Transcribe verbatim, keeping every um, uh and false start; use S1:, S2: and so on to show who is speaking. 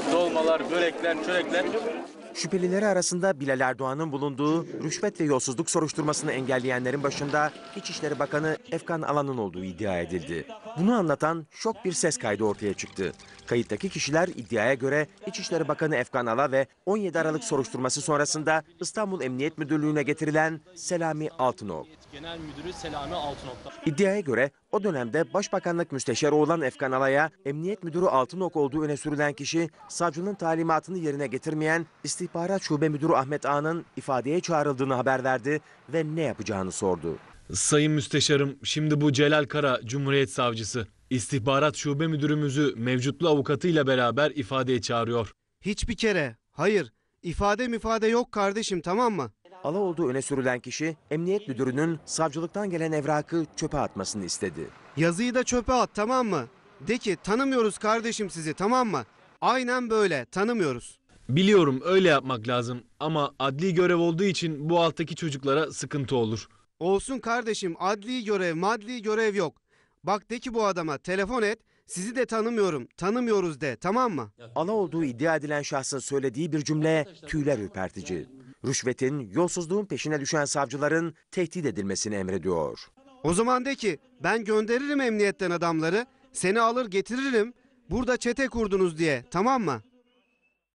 S1: dolmalar, börekler, çörekler.
S2: Şüphelileri arasında Bilal Erdoğan'ın bulunduğu rüşvet ve yolsuzluk soruşturmasını engelleyenlerin başında İçişleri Bakanı Efkan Alan'ın olduğu iddia edildi. Bunu anlatan şok bir ses kaydı ortaya çıktı. Kayıttaki kişiler iddiaya göre İçişleri Bakanı Efkan Ala ve on yedi Aralık soruşturması sonrasında İstanbul Emniyet Müdürlüğü'ne getirilen Selami Altınok.
S1: Genel Müdürü Selami Altınok.
S2: İddiaya göre o dönemde Başbakanlık Müsteşarı olan Efkan Ala'ya Emniyet Müdürü Altınok olduğu öne sürülen kişi savcının talimatını yerine getirmeyen İstihbarat Şube Müdürü Ahmet Ağa'nın ifadeye çağrıldığını haber verdi ve ne yapacağını sordu.
S3: Sayın Müsteşarım, şimdi bu Celal Kara, Cumhuriyet Savcısı, İstihbarat Şube Müdürümüzü mevcutlu avukatıyla beraber ifadeye çağırıyor.
S4: Hiçbir kere, hayır, ifade mifade yok kardeşim, tamam mı?
S2: Ala olduğu öne sürülen kişi Emniyet Müdürü'nün savcılıktan gelen evrakı çöpe atmasını istedi.
S4: Yazıyı da çöpe at, tamam mı? De ki tanımıyoruz kardeşim sizi, tamam mı? Aynen böyle, tanımıyoruz.
S3: Biliyorum öyle yapmak lazım ama adli görev olduğu için bu alttaki çocuklara sıkıntı olur.
S4: Olsun kardeşim, adli görev, madli görev yok. Bak de ki bu adama telefon et, sizi de tanımıyorum, tanımıyoruz de, tamam mı?
S2: Ala olduğu iddia edilen şahsın söylediği bir cümle tüyler ürpertici. Rüşvetin, yolsuzluğun peşine düşen savcıların tehdit edilmesini emrediyor.
S4: O zaman de ki ben gönderirim emniyetten adamları, seni alır getiririm, burada çete kurdunuz diye, tamam mı?